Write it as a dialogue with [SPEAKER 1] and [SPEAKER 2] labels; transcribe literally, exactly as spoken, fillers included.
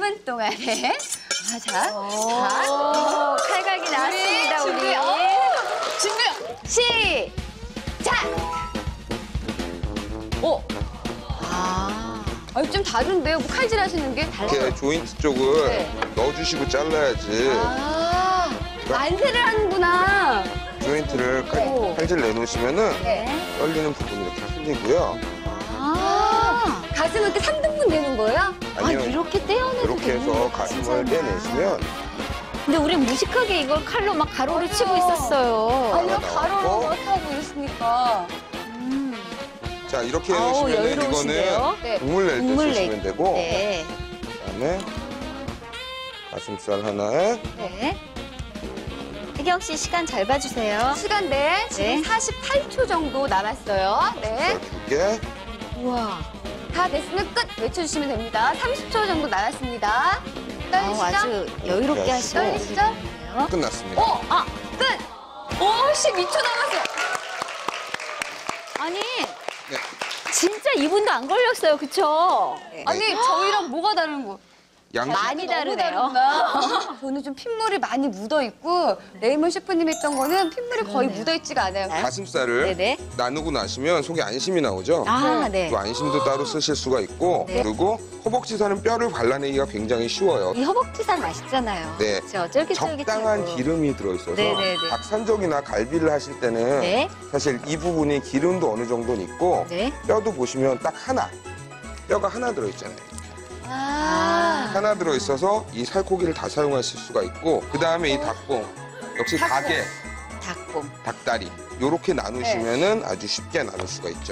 [SPEAKER 1] 분 동안에 아, 자, 자, 칼각이 나왔습니다, 우리.
[SPEAKER 2] 준비, 어, 준비.
[SPEAKER 1] 시작! 오! 아, 아니, 좀 다른데요? 뭐 칼질 하시는 게 달라요?
[SPEAKER 3] 이렇게 조인트 쪽을
[SPEAKER 1] 네.
[SPEAKER 3] 넣어주시고 잘라야지.
[SPEAKER 1] 아, 만세를 하는구나.
[SPEAKER 3] 조인트를 칼-
[SPEAKER 1] 네.
[SPEAKER 3] 칼질 내놓으시면은
[SPEAKER 1] 네.
[SPEAKER 3] 떨리는 부분이 이렇게 풀리고요.
[SPEAKER 1] 아, 가슴은 이렇게 삼 등분 되는 거예요?
[SPEAKER 3] 아니요.
[SPEAKER 2] 아, 이렇게 떼어내도
[SPEAKER 3] 이렇게
[SPEAKER 2] 되는
[SPEAKER 3] 해서
[SPEAKER 2] 거구나,
[SPEAKER 3] 가슴을
[SPEAKER 2] 진짜나.
[SPEAKER 3] 떼내시면
[SPEAKER 2] 근데 우리 무식하게 이걸 칼로 막 가로를 치고 있었어요.
[SPEAKER 1] 아니요,
[SPEAKER 3] 나왔고.
[SPEAKER 1] 가로로 어떻게 하고 있으니까.
[SPEAKER 3] 자 이렇게
[SPEAKER 2] 아우,
[SPEAKER 3] 해주시면
[SPEAKER 2] 여유로우신데요?
[SPEAKER 3] 이거는
[SPEAKER 1] 네.
[SPEAKER 3] 국물 낼 때
[SPEAKER 2] 국물
[SPEAKER 3] 쓰시면
[SPEAKER 2] 내-
[SPEAKER 3] 되고
[SPEAKER 2] 네.
[SPEAKER 3] 그다음에 가슴살 하나에
[SPEAKER 2] 네. 혜경 씨 시간 잘 봐주세요.
[SPEAKER 1] 시간 네, 지금
[SPEAKER 2] 네.
[SPEAKER 1] 사십팔 초 정도 남았어요. 네.
[SPEAKER 3] 두 개.
[SPEAKER 2] 우와.
[SPEAKER 1] 다 됐으면 끝 외쳐주시면 됩니다. 삼십 초 정도 남았습니다.
[SPEAKER 2] 아,
[SPEAKER 1] 떨리시죠?
[SPEAKER 2] 아주 여유롭게
[SPEAKER 3] 이렇게
[SPEAKER 2] 하시고.
[SPEAKER 1] 떨리시죠?
[SPEAKER 2] 계세요.
[SPEAKER 3] 끝났습니다.
[SPEAKER 1] 오! 아, 끝! 오, 십이 초 남았어요.
[SPEAKER 2] 아니,
[SPEAKER 3] 네.
[SPEAKER 2] 진짜 이분도 안 걸렸어요, 그쵸?
[SPEAKER 1] 아니, 저희랑 뭐가 다른 거?
[SPEAKER 3] 양식
[SPEAKER 2] 많이
[SPEAKER 1] 너무
[SPEAKER 2] 다르네요.
[SPEAKER 1] 다르구나. 저는 좀 핏물이 많이 묻어있고 레이먼 셰프님 했던 거는 핏물이 거의
[SPEAKER 2] 그러네요.
[SPEAKER 1] 묻어있지가 않아요.
[SPEAKER 3] 가슴살을
[SPEAKER 2] 네네.
[SPEAKER 3] 나누고 나시면 속에 안심이 나오죠.
[SPEAKER 2] 아, 네.
[SPEAKER 3] 그 안심도 따로 쓰실 수가 있고
[SPEAKER 2] 네.
[SPEAKER 3] 그리고 허벅지살은 뼈를 발라내기가 굉장히 쉬워요.
[SPEAKER 2] 이 허벅지살 맛있잖아요.
[SPEAKER 3] 네.
[SPEAKER 2] 그렇죠? 쫄깃쫄깃하고.
[SPEAKER 3] 적당한 기름이 들어있어서
[SPEAKER 2] 네네네.
[SPEAKER 3] 닭산적이나 갈비를 하실 때는
[SPEAKER 2] 네.
[SPEAKER 3] 사실 이 부분이 기름도 어느 정도는 있고
[SPEAKER 2] 네.
[SPEAKER 3] 뼈도 보시면 딱 하나, 뼈가 하나 들어있잖아요.
[SPEAKER 1] 아,
[SPEAKER 3] 하나 들어있어서 이 살코기를 다 사용하실 수가 있고 그 다음에 이 닭봉, 역시
[SPEAKER 1] 닭봉.
[SPEAKER 3] 닭에
[SPEAKER 2] 닭봄.
[SPEAKER 3] 닭다리 이렇게 나누시면은 아주 쉽게 나눌 수가 있죠.